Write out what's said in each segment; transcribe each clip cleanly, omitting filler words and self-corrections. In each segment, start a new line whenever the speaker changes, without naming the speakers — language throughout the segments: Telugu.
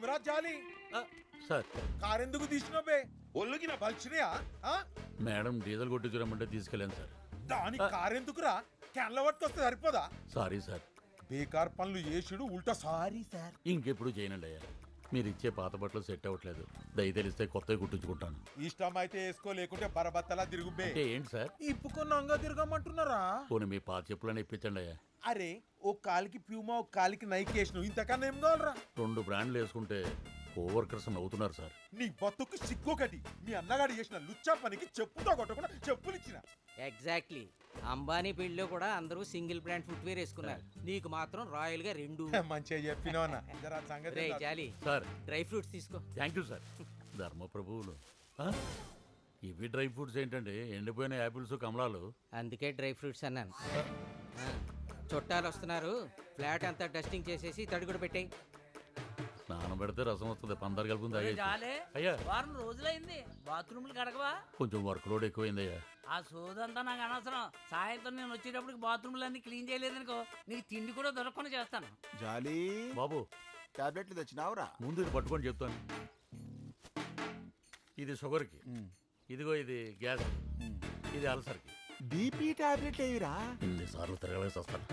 ఏమిరా జాలి
సార్
కారెందుకు తీసినవే ఒళ్ళుకి నా బలిచినయా
మేడం డీజిల్ కొట్టించురమ్మంటే తీసుకెళ్ళాను సార్.
దాని కారెందుకురా క్యాన్ల పట్టుకొస్తే సరిపోదా
సారీ సార్.
బేకార్ పనులు చేసుడు ఉల్టా సారీ సార్.
ఇంకెప్పుడు చేయనండి అయ్యా. మీరు ఇచ్చే పాత బట్టలు సెట్ అవ్వట్లేదు. దయ తెలిస్తే కొత్తవి కుట్టించుకుంటాను.
ఇష్టం అయితే వేసుకో, లేకుంటే బరబత్తలా తిరుగుబే.
అంటే ఏంటి సార్?
ఇప్పుకున్నాంగా తిరగమంటున్నారా?
పోనీ మీ పాత చెప్పులని ఇప్పించండి అయ్యా.
అరే ఓ కాలికి ప్యూమా, ఓ కాలికి నైక్ వేసినావు, ఇంతకన్నా ఏం కావాలరా?
2 బ్రాండ్లు వేసుకుంటే కోవర్కర్స్ నవ్వుతున్నారు సార్.
నీ బతుకు సిగ్గొకటి. మీ అన్నగాడు చేసిన లుచ్చా పనికి చెప్పుతో కొట్టకుండా చెప్పులు ఇచ్చిన.
ఎగ్జాక్ట్లీ. అంబానీ పెళ్లిలో కూడా అందరూ సింగిల్ బ్రాండ్ ఫుట్వేర్ వేసుకున్నారు, నీకు మాత్రం రాయల్ గా 2.
మంచిగా చెప్పినావన్నా. జరా సంగతి
రే జాలి
సార్,
డ్రై ఫ్రూట్స్ తీసుకో.
Thank you sir. ధర్మప్రభువులు. ఇవి డ్రై ఫ్రూట్స్ ఏంటండి? ఎండిపోయిన యాపిల్స్, కమలాలు.
అందుకే డ్రై ఫ్రూట్స్ అన్నాను. చుట్టాలు వస్తున్నారు, ఫ్లాట్ అంతా డస్టింగ్ చేసేసి తడిగుడు పెట్టాయి.
స్నానం పెడితే రసం వస్తుంది. పందరు కలుపుంది
జాలే
అయ్యా.
వారం రోజులైంది బాత్రూమ్లు కడగవా?
కొంచెం వర్క్ లోడ్ ఎక్కువైందయ్యా.
ఆ సోదంతా నాకు అనవసరం. సాయంత్రం నేను వచ్చేటప్పటికి బాత్రూమ్లు అన్ని క్లీన్ చేయలేదనుకో, నీకు తిండి కూడా దొరకకుండా చేస్తాను.
జాలి
బాబు,
టాబ్లెట్లు తెచ్చినావురా?
ముందు ఇది పట్టుకొని చెప్తాను. ఇది షుగర్కి, ఇదిగో ఇది గ్యాస్, ఇది అల్సర్కి.
బీపీ టాబ్లెట్లు ఏవిరా?
ఇన్నిసార్లు తిరగలేసి వస్తాను.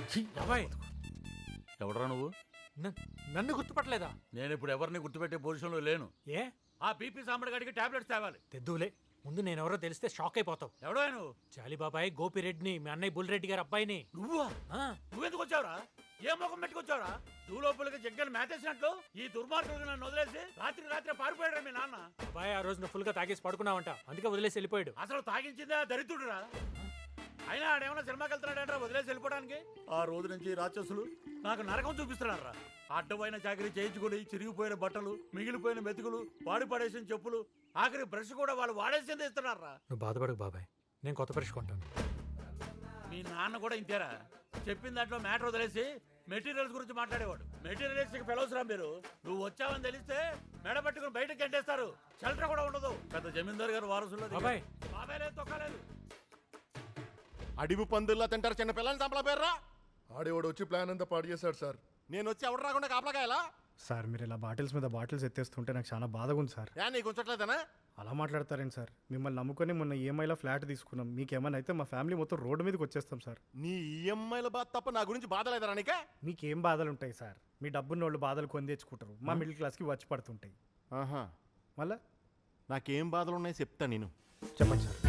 ఎవడరా నువ్వు?
నన్ను గుర్తుపట్టలేదా?
నేను ఇప్పుడు ఎవరిని గుర్తుపెట్టే పొజిషన్లో లేను.
ఏ?
ఆ బీపీ సాంబడి గడికి టాబ్లెట్స్ తేవాలి.
తెద్దులే, ముందు నేను ఎవరో తెలిస్తే షాక్ అయిపోతావు.
ఎవడో నువ్వు?
జాలిబాబాయ్ గోపిరెడ్డిని, మీ అన్నయ్య బుల్రెడ్డి గారి అబ్బాయిని.
నువ్వా? నువ్వెందుకు వచ్చావురా? ఏ ముఖం పెట్టుకొచ్చావురా? నువ్వు లోపలికి జగ్గలు మేతేసినట్లు ఈ దుర్మార్గులు నన్ను వదిలేసి రాత్రి పారిపోయాడు మీ నాన్న.
అబ్బాయి ఆ రోజు నువ్వు ఫుల్ గా తాగేసి పడుకున్నావంట, అందుకే వదిలేసి వెళ్ళిపోయాడు.
అసలు తాగించిందే దరిద్రుడురా. అయినా ఆడేమన్నా సినిమాకి వెళ్తున్నాడంటే వదిలేసి వెళ్ళిపోవడానికి. ఆ రోజు నుంచి రాక్షసులు నాకు నరకం చూపిస్తున్నారా. అడ్డమైన చాకరీ చేయించుకుని చిరిగిపోయిన బట్టలు, మిగిలిపోయిన మెతుకులు, వాడి పడేసిన చెప్పులు, ఆఖరి బ్రష్ కూడా వాళ్ళు వాడేసింది ఇస్తున్నారా.
నువ్వు బాధపడకు బాబాయ్, నేను కొత్త బ్రష్ కొంటాను.
మీ నాన్న కూడా ఇంతేరా. చెప్పిన దాంట్లో మ్యాటర్ వదిలేసి మెటీరియల్స్ గురించి మాట్లాడేవాడు. మెటీరియల్స్ ఫెలోస్ రా మీరు. నువ్వు వచ్చావని తెలిస్తే మెడ పట్టుకుని బయటకు గంటేస్తారు. షెల్టర్ కూడా ఉండదు. పెద్ద జమీందారు గారు వారసుల్లో
బాబాయ్
బాబాయ్ లేదు, తొక్కలేదు.
అడివి పందుల్లా తింటారు చిన్న పిల్లల్ని చంపలా పేర్రా.
ఆడేవాడు వచ్చి ప్లాన్ అంతా పాడు చేశాడు సార్.
నేను వచ్చి ఎవడు రాకుండా కాపలాకాయలా?
సార్ మీరు ఇలా బాటిల్స్ మీద బాటిల్స్ ఎత్తేస్తుంటే నాకు చాలా బాధగా ఉంది సార్.
నీకు ఉంచట్లేదనా?
అలా మాట్లాడతారేంటి సార్? మిమ్మల్ని నమ్ముకొని మొన్న ఈఎంఐలో ఫ్లాట్ తీసుకున్నాం. మీకేమైనా అయితే మా ఫ్యామిలీ మొత్తం రోడ్డు మీదకి వచ్చేస్తాం సార్.
నీ ఈఎంఐల బాధ తప్ప నా గురించి బాధ లేదరా నీకే?
మీకేం బాధలు ఉంటాయి సార్? మీ డబ్బున్న వాళ్ళు బాధలు కొని తెచ్చుకుంటారు, మా మిడిల్ క్లాస్కి వచ్చి పడుతుంటాయి.
ఆహా,
మళ్ళా
నాకేం బాధలు ఉన్నాయి చెప్తా నేను.
చెప్పండి సార్.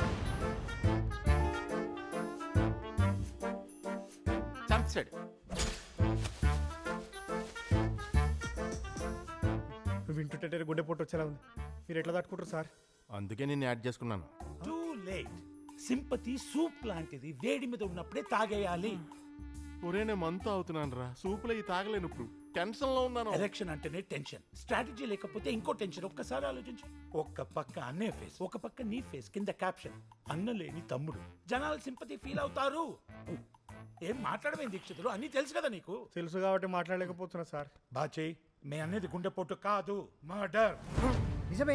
చంపేశాడు.
వింటుంటే గుండె పొట్టు వచ్చేలా ఉంది. మీరు ఎట్లా తట్టుకుంటారు సార్?
అందుకే నేను యాడ్ చేసుకున్నాను.
Too late. సింపతి సూప్ లాంటిది, వేడి మీద ఉన్నప్పుడే తాగేయాలి.
ఒరే నేను మంతా అవుతున్నాను రా, సూపులో ఈ తాగలేను. ఇప్పుడు టెన్షన్ లో ఉన్నాను.
ఎలక్షన్ అంటేనే టెన్షన్, స్ట్రాటజీ లేకపోతే ఇంకో టెన్షన్. ఒక్కసారి ఆలోచించు. ఒక్క పక్క అన్నయ్య ఫేస్, ఒక పక్క నీ ఫేస్, కింద క్యాప్షన్ అన్న లేని తమ్ముడు. జనాలు సింపతి ఫీల్ అవుతారు. ఏం మాట్లాడమేం దీక్షితులు, అన్ని తెలుసు కదా నీకు.
తెలుసు కాబట్టి మాట్లాడలేకపోతున్నా సార్.
బాచే, మే అనేది గుండెపోటు కాదు, మర్డర్.
నిజమే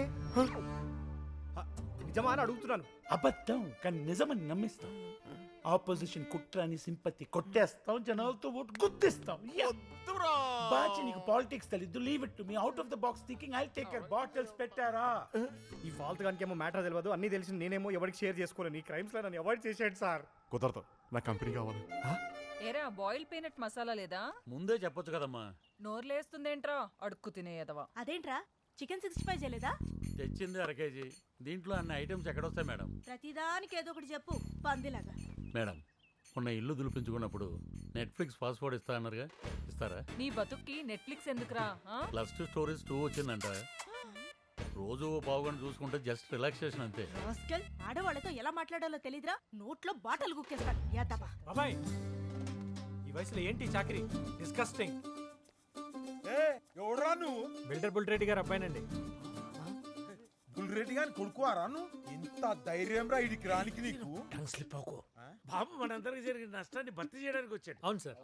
నిజమా అని అడుగుతున్నాను.
అబద్ధం కానీ నిజమని నమ్మిస్తాం. ఆపోజిషన్ కుట్రాని సింపతి కొట్టేస్తాం, జనాలతో ఓటు గుద్దిస్తాం. బాచి నీకు పాలిటిక్స్ తెలీదు, leave it to me. Out of the box thinking, I'll take care. Bottles పెట్టారా?
ఈ ఫాల్త్ గానికేమో మ్యాటర్ తెలియదు, అన్ని తెలిసి నేనేమో ఎవరికి షేర్ చేసుకోలేను. ఈ క్రైమ్స్ లో నన్ను అవాయిడ్ చేసాడు సార్.
కుదరదు, నా కంపెనీ కావాలి.
ఏరా బాయిల్ పీనట్ మసాలా లేదా?
ముందే చెప్పొచ్చు కదమ్మా.
నోర్లేస్తుందేంట్రా అడుక్కు తినేయదవా.
అదేంట్రా చికెన్ 65 చేయలేదా?
తెచ్చింది 1 కేజీ. దీంట్లో అన్ని ఐటమ్స్ ఎక్కడొస్తాయి మేడం?
ప్రతిదానికి ఏదో ఒకటి చెప్పు పందిలాగా.
మేడం, మొన్న ఇల్లు దులిపించుకున్నప్పుడు నెట్ఫ్లిక్స్ పాస్వర్డ్ ఇస్తా అన్నారుగా, ఇస్తారా?
నీ బతుక్కి నెట్ఫ్లిక్స్ ఎందుకురా?
ప్లస్ 2 స్టోరీస్ 2 వచ్చిందంట. రోజు పావుగంట చూసుకుంటే జస్ట్ రిలాక్సేషన్ అంతే.
రాస్కల్, ఆడవాళ్ళతో ఎలా మాట్లాడాలో తెలీదురా, నోట్లో బాటలు గుక్కేస్తాడు. యాదవా.
బాబాయ్ ఈ వయసులో ఏంటి చాకరీ? డిస్కస్టింగ్.
ఎవడరా నువ్వు?
బిల్డర్ బుల్రెడ్డి గారి అబ్బాయినండి.
బుల్రెడ్డి గారిని కొడుకువారా నువ్వు? ఎంత ధైర్యం రా ఇడికి రానికి నీకు?
టంగ్ స్లిప్ అవ్వకు. బాబు మనందరికి జరిగిన నష్టాన్ని భర్తీ చేయడానికి వచ్చాడు.
అవును sir.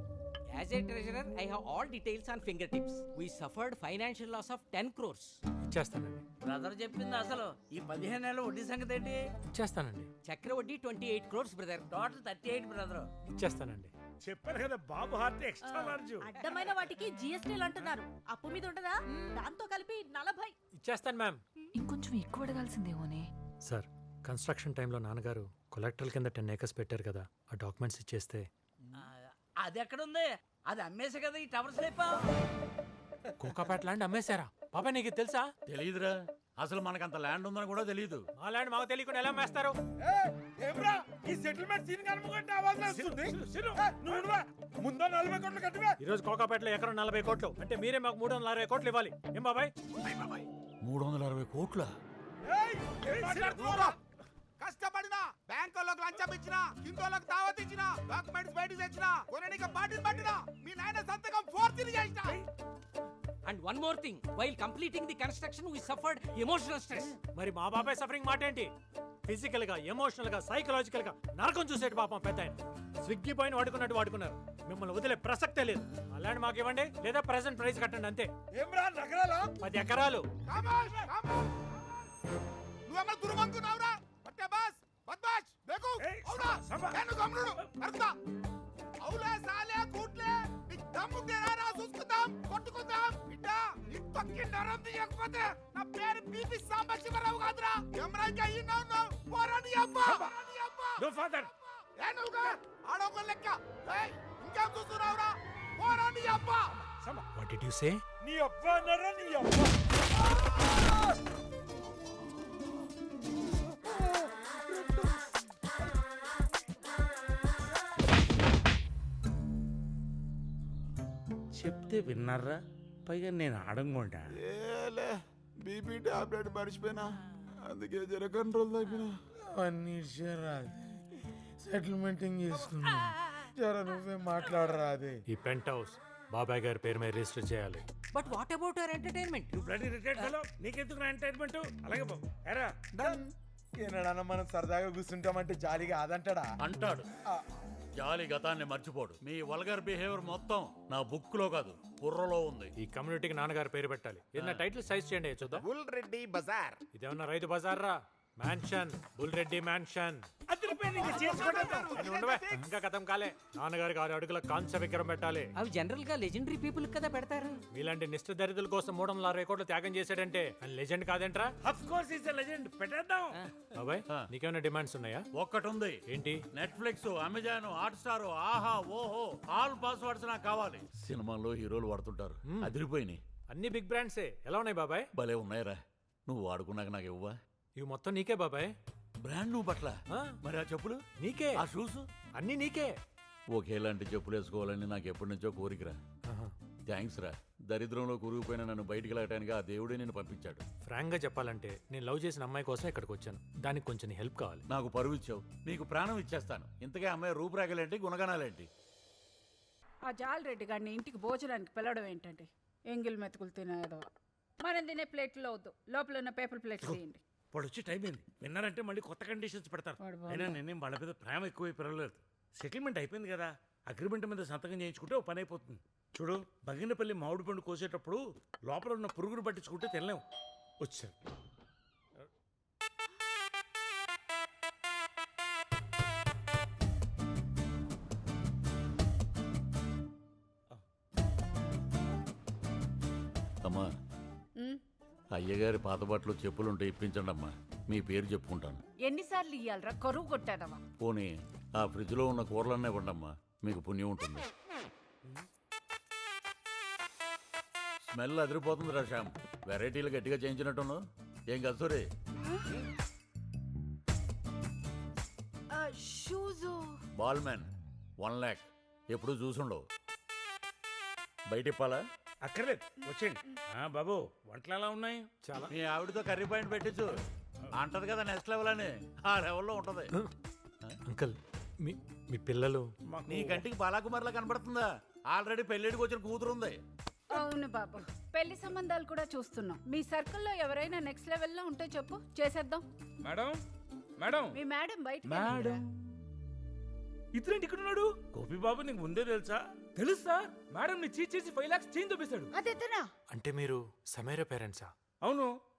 As a treasurer, I have all details on fingertips. We suffered financial loss of 10 crores.
ఇచ్చేస్తానండి.
బ్రదర్ చెప్పింది అసలు ఈ 15 నెలల వడ్డీ సంగతి ఏంటి?
ఇచ్చేస్తానండి.
చక్ర వడ్డీ 28 crores బ్రదర్.
Total 38 brother.
ఇచ్చేస్తానండి.
చెప్పారు కదా బాబు హార్ట్ ఎక్స్ట్రా లార్జ్.
అడ్డమైన వాటికి జిఎస్టీలు అంటున్నారు. అప్పు మీద ఉంటదా? దాంతో కలిపి 40.
ఇచ్చేస్తాను మ్యామ్.
ఇంకొంచెం ఎక్కువ అడగాల్సిందేమోనే.
సార్, కన్స్ట్రక్షన్ టైంలో నాన్నగారు కొలెక్టర్ల కింద 10 acres పెట్టారు కదా, ఆ డాక్యుమెంట్స్ ఇచ్చేస్తే.
అది ఎక్కడుంది? అది అమ్మేసే కదా ఈ టవర్స్ లేపా.
కోకాపేట ల్యాండ్ అమ్మేశారా? బాబాయ్ నీకు తెలుసా?
తెలియదురా, అసలు మనకంత ల్యాండ్ ఉందని కూడా తెలియదు.
మా ల్యాండ్ మాకు తెలియకుండా ఎలా అమ్మేస్తారు?
ఏమ్రా ఈ సెటిల్మెంట్ సీన్ కనుమగంటే ఆవాజ్ వస్తుంది. నువ్వు ముందు 40 కోట్లు కట్టివే.
ఈ రోజు కోకాపేటలో ఎకరం 40 కోట్లు అంటే మీరే మాకు 360 కోట్లు ఇవ్వాలి. ఏం బాబాయ్?
360 కోట్ల
కష్టపడినా బ్యాంకులకు లంచం ఇచ్చినా, కిందోళ్ళకి దావత్ ఇచ్చినా, డాక్యుమెంట్స్ బయట తెచ్చినా, కొనడానికి బాటిల్ పట్టినా, మీ నాయన సంతకం ఫోర్జరీ చేసినా.
And one more thing, while completing the construction, we suffered emotional stress.
మరి మా బాబాయ్ సఫరింగ్ మాట ఏంటి? ఫిజికల్ గా, ఎమోషనల్ గా, సైకలాజికల్ గా నరకం చూసేటి పాపం పెద్ద ఆయన. స్విగ్గీ పైన వాడుకున్నట్టు వాడుకున్నారు. మిమ్మల్ని వదిలే ప్రసక్తే లేదు. ఆ ల్యాండ్ మాకు ఇవ్వండి, లేదా ప్రెసెంట్ ప్రైస్ కట్టండి అంతే.
ఏమ్రా నగరాలా?
10 ఎకరాలు.
నువ్వేమన్నా దుర్మంకున్నావురా? పట్టే బాస్ బద్మాష్ బేకు అవునా? నేను గమ్నుడు అర్థా అవులే సాలే కూట్లే నీకు దమ్ముంటే రా చూసుకుందాం, కొట్టుకుందాం. బిడ్డ నీ తొక్కి నరం తీయకపోతే నా పేరు బీపీ సాంబశివరావు కాదురా. ఎమరాకి అయ్యినావు పోరాని అబ్బా.
No father.
ఏనుగా ఆడొక లెక్క. ఏయ్ ఇంకేం చూస్తున్నావురా? పోరాని అబ్బా.
What did you say?
నీ అబ్బా నర నీ అబ్బా.
చెప్తే విన్నారా? పైగా నేను ఆడంగుంటా.
ఏలే బీపీ టాబ్లెట్ మర్చిపోయినా, అందుకే జర కంట్రోల్ తగ్గినా.
అన్ని రాదు, సెటిల్మెంటింగ్ చేసుకున్నా. జర నువ్వే మాట్లాడరాదే.
ఈ పెంట్ హౌస్ బాబాయ్ గారి పేరు మీద రిజిస్టర్ చేయాలి.
But what about our entertainment?
నువ్వు బ్లడీ రిటైర్డ్ ఫెలో, నీకెందుకు ఎంటర్టైన్మెంట్? అలాగే బాబు ఎరా
డన్. ఏనాడన్నా మనం సరదాగా కూర్చుంటామంటే జాలీగా అదంటాడా?
అంటాడు. జాలి గతాన్ని మర్చిపోడు. మీ వల్గర్ బిహేవియర్ మొత్తం నా బుక్ లో కాదు, బుర్రలో ఉంది.
ఈ కమ్యూనిటీకి నాన్నగారి పేరు పెట్టాలి. ఏదైనా టైటిల్ సైజ్ చేయండి చూద్దాం.
బుల్ రెడ్డి బజార్.
ఇదేమన్నా రైతు బజార్ రా? Mansion, bull Reddy mansion. ఇంకా కథం కాలే. నాన్నగారికి 6 అడుగుల కాంస్య విగ్రహం పెట్టాలి.
అవి జనరల్ గా లెజెండరీ పీపుల్ కదా పెడతారు.
మీలాంటి నిష్ఠ దరిద్రుల కోసం 360 కోట్లు త్యాగం చేశాడంటే లెజెండ్ కాదేంట్రా?
Of course is a legend. పెట్టేద్దాం.
బాబాయ్ నీకేమైనా డిమాండ్స్ ఉన్నాయా?
ఒక్కటి ఉంది.
ఏంటి?
నెట్ఫ్లిక్స్, అమెజాన్, హాట్స్టార్, ఆహా, ఓహో, ఆల్ పాస్వర్డ్స్ నాకు కావాలి. సినిమాల్లో హీరోలు వాడుతుంటారు, అదిరిపోయినాయి.
అన్ని బిగ్ బ్రాండ్సే. ఎలా ఉన్నాయి బాబాయ్?
భలే ఉన్నాయిరా. నువ్వు వాడుకున్నాక నాకు ఇవ్వవా?
ఇవి మొత్తం నీకే బాబాయ్.
బ్రాండ్ నువ్వు పట్ల. మరి ఆ చెప్పులు
నీకే,
ఆ షూస్
అన్ని నీకే.
ఒకేలాంటి చెప్పులు వేసుకోవాలని నాకు ఎప్పటి నుంచో కోరికరా. థ్యాంక్స్ రా. దరిద్రంలో కూరుకుపోయిన నన్ను బయటికి వెళ్ళటానికి ఆ దేవుడే నేను పంపించాడు.
ఫ్రాంక్ గా చెప్పాలంటే నేను లవ్ చేసిన అమ్మాయి కోసం ఇక్కడికి వచ్చాను. దానికి కొంచెం నీ హెల్ప్ కావాలి.
నాకు పరువు ఇచ్చావు, నీకు ప్రాణం ఇచ్చేస్తాను. ఇంతకే అమ్మాయి రూపురేఖలేంటి, గుణగణాలేంటి?
ఆ జాలరెడ్డి గారిని ఇంటికి భోజనానికి పిలవడం ఏంటంటే ఎంగిల్ మెతుకులు తినేదో. మనం తినే ప్లేట్లో వద్దు, లోపల ఉన్న పేపర్ ప్లేట్లు తీయండి.
వాడు వచ్చి టైం అయింది. విన్నారంటే మళ్ళీ కొత్త కండిషన్స్ పెడతారు. అయినా నేనేం వాళ్ళ మీద ప్రేమ ఎక్కువ పెరగలేదు. సెటిల్మెంట్ అయిపోయింది కదా, అగ్రిమెంట్ మీద సంతకం చేయించుకుంటే ఓ పని అయిపోతుంది. చూడు, బగినపల్లి మామిడి పండు కోసేటప్పుడు లోపల ఉన్న పురుగును పట్టించుకుంటే తినలేము. వచ్చారు.
అమ్మా, అయ్యగారి పాత బట్టలు చెప్పులుంటే ఇప్పించండి అమ్మా. మీ పేరు చెప్పుకుంటాను.
ఎన్నిసార్లు ఇయ్యాలరా? కరువు కొట్టాదవా?
పోనీ ఆ ఫ్రిడ్జ్ లో ఉన్న కూరలన్నీ ఇవ్వండమ్మా, మీకు పుణ్యం ఉంటుంది. స్మెల్ అదిరిపోతుంది రా శ్యామ్. వెరైటీలు గట్టిగా చేయించినట్టును. ఏం కసూరి? బాల్ మ్యాన్ 1 lakh ఎప్పుడు చూసుండవు. బయట ఇప్పాలా?
అక్కర్లేదు, వచ్చేయండి. బాబు వంటలు ఎలా ఉన్నాయి?
చాలా.
మీ ఆవిడతో కర్రీ పాయింట్ పెట్టించు. అంటది కదా నెక్స్ట్ లెవెల్ అని. ఆ లెవెల్లో ఉంటది.
అంకుల్, మీ పిల్లలు?
నీ కంటికి బాలాకుమార్లా కనబడుతుందా? ఆల్రెడీ పెళ్ళిడికి వచ్చిన కూతురు ఉంది.
అవును బాబు, పెళ్లి సంబంధాలు కూడా చూస్తున్నాం. మీ సర్కిల్లో ఎవరైనా నెక్స్ట్ లెవెల్లో ఉంటే చెప్పు, చేసేద్దాం.
మేడం మేడం
మీ మేడం బయట.
ఇతరేంటి ఇక్కడ ఉన్నాడు? గోపి బాబు నీకు ముందే తెలుసా? తెలుసా? మేడం ని చీట్ చేసి 5 lakhs చేంజ్ చూపిస్తాడు.
అదేతనా?
అంటే మీరు సమీర పేరెంట్సా?
అవును.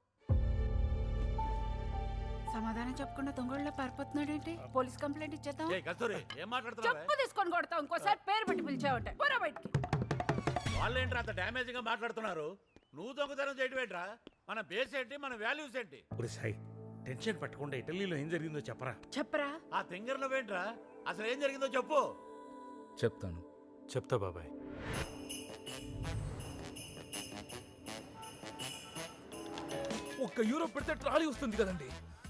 సమాధానం చెప్పకుండా దొంగళ్ళ పారిపోతున్నాడేంటి? పోలీస్ కంప్లైంట్ ఇచ్చేద్దాం.
ఏయ్ కస్తూరి ఏం మాట్లాడుతున్నావు?
చెప్పు తీసుకొని కొడతాం. ఇంకోసారి పేరు పెట్టి పిలిచావంటే పోరా బయటికి.
వాళ్ళేంట్రా అంత డ్యామేజ్ గా మాట్లాడుతున్నారు? నువ్వు దొంగతనం చేయడం ఏంట్రా? మన బేస్ ఏంటి, మన వాల్యూస్ ఏంటి?
సాయి టెన్షన్ పట్టకుండా ఇటలీలో ఏం జరిగిందో చెప్పరా.
చెప్పరా.
ఆ తింగర్లో ఏంట్రా? అసలు ఏం జరిగిందో చెప్పు.
చెప్తాను.
చెప్తా బాబాయ్.
€1 పెడితే ట్రాలీ వస్తుంది కదండి.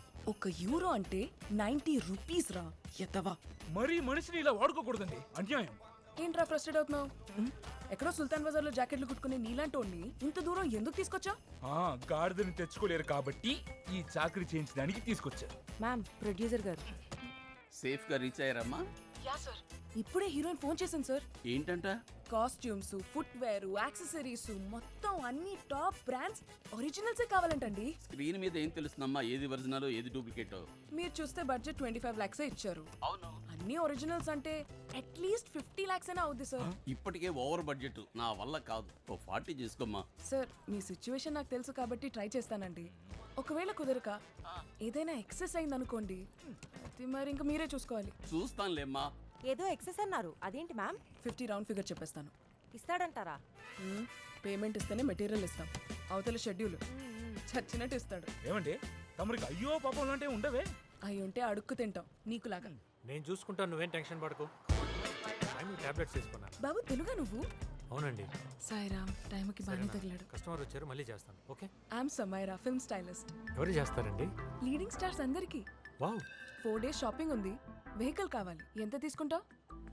€1 అంటే 90 రూపీస్ రా ఎత్తవా.
మరీ మనిషిని ఇలా వాడుకోకూడదండి, అన్యాయం.
ఏంట్రా ఫ్రస్ట్రేట్ అవుతున్నావు? ఎక్కడో సుల్తాన్ బజార్ లో జాకెట్లు కుట్టుకుని నీలాంటోడిని ఇంత దూరం ఎందుకు తీసుకొచ్చా?
గాడిదని తెచ్చుకోలేరు కాబట్టి ఈ చాకరీ చేయించడానికి తీసుకొచ్చారు.
మ్యామ్, ప్రొడ్యూసర్ గారు
సేఫ్ గా రీచ్ అయ్యారమ్మా?
Yeah sir. ఇప్పుడే హీరోయిన్ ఫోన్ చేసింది సార్.
ఏంటంట?
కాస్ట్యూమ్స్, ఫుట్ వేర్, యాక్సెసరీస్ మొత్తం అన్ని టాప్ బ్రాండ్స్ ఒరిజినల్సే కావాలంటండి.
స్క్రీన్ మీద ఏం తెలుస్తుందమ్మా ఏది ఒరిజినల్ ఏది డూప్లికేట్?
మీరు చూస్తే బడ్జెట్ 25 lakhs ఇచ్చారు.
అవును.
అన్ని ఒరిజినల్స్ అంటే అట్లీస్ట్ 50 lakhs అయినా అవుద్ది సార్.
ఇప్పటికే ఓవర్ బడ్జెట్, నా వల్ల కాదు. 40 చేసుకోమ్మా.
సార్, మీ సిచ్యువేషన్ నాకు తెలుసు కాబట్టి ట్రై చేస్తానండి. ఒకవేళ కుదరక ఏదైనా ఎక్సెస్ అయింది అనుకోండి, అది మరి ఇంకా మీరే చూసుకోవాలి.
చూస్తానులేమ్మా.
ఏదో ఎక్సెస్ అన్నారు, అదేంటి మ్యామ్?
50 రౌండ్ ఫిగర్ చెప్పేస్తాను.
ఇస్తాడంటారా?
పేమెంట్ ఇస్తేనే మెటీరియల్ ఇస్తాం. అవతల షెడ్యూల్ చచ్చినట్టు ఇస్తాడు.
ఏమండి తమరికి అయ్యో పాపం లాంటి ఉండవే?
అవి ఉంటే అడుక్కు తింటాం నీకులాగా.
నేను చూసుకుంటాను, నువ్వేం టెన్షన్ పడకు. టాబ్లెట్స్ తీసుకున్నా.
బాబు తెలుగా నువ్వు?
అవునండి.
సాయిరామ్, టైంకి బాగానే తగిలాడు.
కస్టమర్ వచ్చారు, మళ్ళీ చేస్తాను. Okay.
I'm Samaira, film stylist.
ఎవరు చేస్తారండి?
లీడింగ్ స్టార్స్ అందరికి.
వావ్.
4 days షాపింగ్ ఉంది. వెహికల్ కావాలి. ఎంత తీసుకుంటావు?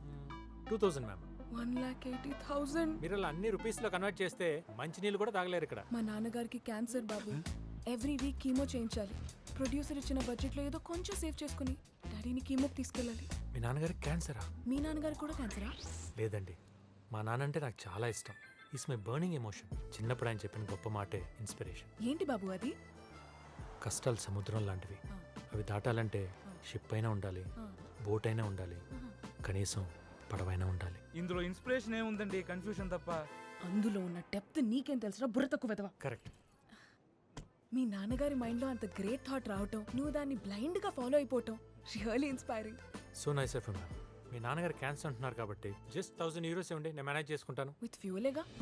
2000 మ్యామ్.
1,80,000.
మీరు అలా అన్ని రూపీస్ లో కన్వర్ట్ చేస్తే మంచి నీళ్ళు కూడా తాగలేరు ఇక్కడ.
మా నాన్నగారికి క్యాన్సర్ బాబు. ఎవ్రీ వీక్ కీమో చేయించాలి. ప్రొడ్యూసర్ ఇచ్చిన బడ్జెట్ లో ఏదో కొంచెం సేవ్ చేసుకుని డాడీని కీమోకి తీసుకెళ్ళాలి.
మీ నాన్నగారికి క్యాన్సరా?
మీ నాన్నగారు కూడా క్యాన్సరా?
లేదండి, మా నాన్న అంటే నాకు చాలా ఇష్టం. It's my burning emotion. చిన్నప్పుడు ఆయన చెప్పిన గొప్ప మాటే ఇన్స్పిరేషన్.
ఏంటి బాబు అది?
కష్టాలు సముద్రం లాంటివి. అవి దాటాలంటే షిప్ అయినా ఉండాలి, బోట్ అయినా ఉండాలి, కనీసం పడవైనా ఉండాలి.
ఇందులో ఇన్స్పిరేషన్ ఏముందండి, కన్ఫ్యూషన్ తప్ప.
అందులో ఉన్న డెప్త్ నీకేం తెలుసురా, బుర్ర తక్కువ వెదవా.
కరెక్ట్.
మీ నాన్నగారి మైండ్ లో అంత గ్రేట్ థాట్ రావటం, నువ్వు దాన్ని బ్లైండ్ గా ఫాలో అయిపోవటం really inspiring.
So nice of you ma'am. మీ నాన్నగారు క్యాన్సర్ అంటున్నారు కాబట్టి జస్ట్ €1000 ఇవ్వండి, నేను మేనేజ్ చేసుకుంటాను.
విత్ ఫ్యూలేగా.